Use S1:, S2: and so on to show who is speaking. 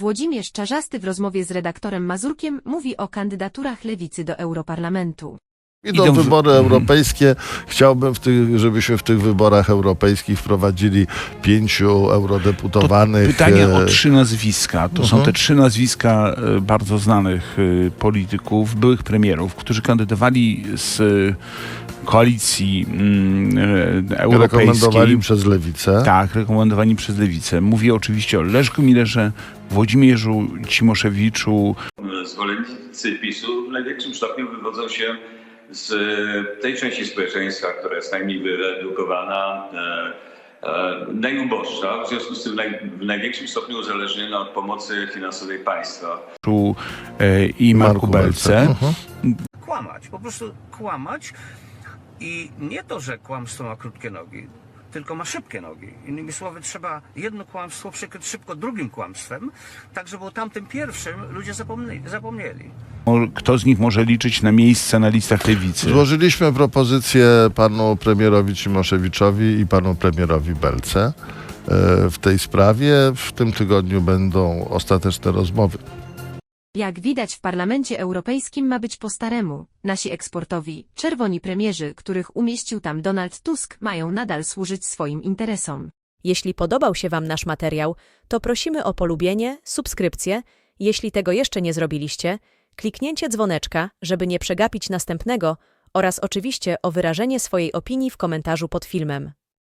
S1: Włodzimierz Czarzasty w rozmowie z redaktorem Mazurkiem mówi o kandydaturach Lewicy do Europarlamentu.
S2: Idą wybory europejskie. Chciałbym, żebyśmy w tych wyborach europejskich wprowadzili 5 eurodeputowanych.
S3: To pytanie o 3 nazwiska. To są te 3 nazwiska bardzo znanych polityków, byłych premierów, którzy kandydowali z koalicji europejskiej.
S2: Rekomendowani przez Lewicę.
S3: Tak, rekomendowani przez Lewicę. Mówię oczywiście o Leszku Millerze, Włodzimierzu Cimoszewiczu.
S4: Zwolennicy PiS-u w największym stopniu wywodzą się z tej części społeczeństwa, która jest najmniej wyedukowana, najuboższa, w związku z tym w największym stopniu uzależniona od pomocy finansowej państwa.
S3: I Marku Belce.
S5: Kłamać, po prostu kłamać i nie to, że kłamstwo ma krótkie nogi, tylko ma szybkie nogi. Innymi słowy, trzeba jedno kłamstwo przykryć szybko drugim kłamstwem, tak żeby o tamtym pierwszym ludzie zapomnieli.
S3: Kto z nich może liczyć na miejsce na listach Lewicy?
S2: Złożyliśmy propozycję panu premierowi Cimoszewiczowi i panu premierowi Belce w tej sprawie. W tym tygodniu będą ostateczne rozmowy.
S1: Jak widać, w Parlamencie Europejskim ma być po staremu. Nasi eksportowi, czerwoni premierzy, których umieścił tam Donald Tusk, mają nadal służyć swoim interesom.
S6: Jeśli podobał się Wam nasz materiał, to prosimy o polubienie, subskrypcję. Jeśli tego jeszcze nie zrobiliście, kliknięcie dzwoneczka, żeby nie przegapić następnego oraz oczywiście o wyrażenie swojej opinii w komentarzu pod filmem.